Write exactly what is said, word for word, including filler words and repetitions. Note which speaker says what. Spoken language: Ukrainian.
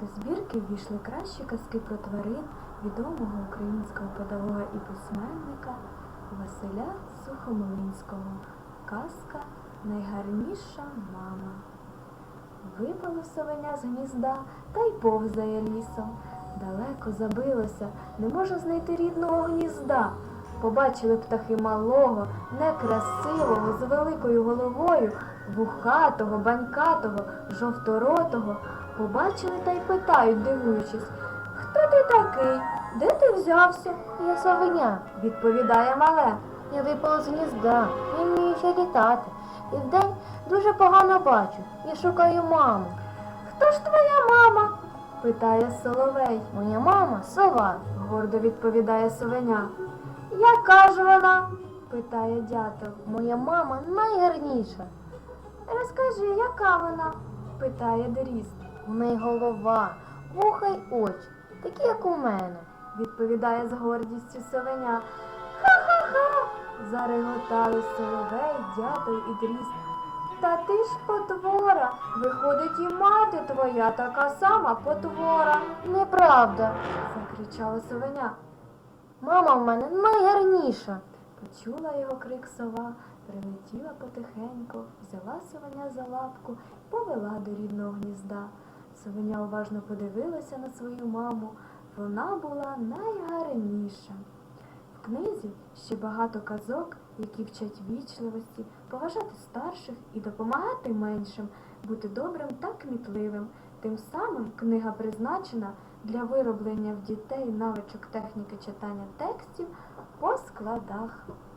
Speaker 1: До збірки ввійшли кращі казки про тварин відомого українського педагога і письменника Василя Сухомлинського. Казка «Найгарніша мама». Випало совеня з гнізда та й повзає лісом. Далеко забилося, не може знайти рідного гнізда. Побачили птахи малого, некрасивого, з великою головою, вухатого, банькатого, жовторотого. Побачили та й питають, дивуючись: «Хто ти такий? Де ти взявся?»
Speaker 2: Я совеня,
Speaker 1: відповідає мале.
Speaker 2: я випала з гнізда, не вмію ще літати. І вдень дуже погано бачу, я шукаю маму.
Speaker 1: «Хто ж твоя мама?» питає соловей.
Speaker 2: Моя мама сова.
Speaker 1: Гордо відповідає совеня. «Яка ж вона?» питає дятел.
Speaker 2: Моя мама найгарніша.
Speaker 1: «Розкажи, яка вона?» питає дрізд.
Speaker 2: У неї голова, вуха й очі, такі, як у мене.
Speaker 1: Відповідає з гордістю совеня. «Ха-ха-ха!» зареготали соловей, дятел і дрізд. «Та ти ж потвора! Виходить, і мати твоя така сама потвора!»
Speaker 2: Неправда.
Speaker 1: закричала совеня.
Speaker 2: Мама в мене найгарніша.
Speaker 1: Почула його крик сова, прилетіла потихеньку, взяла совеня за лапку, повела до рідного гнізда. Совеня уважно подивилася на свою маму. Вона була найгарніша. В книзі ще багато казок, які вчать вічливості, поважати старших і допомагати меншим, бути добрим та кмітливим. Тим самим книга призначена для вироблення в дітей навичок техніки читання текстів по складах.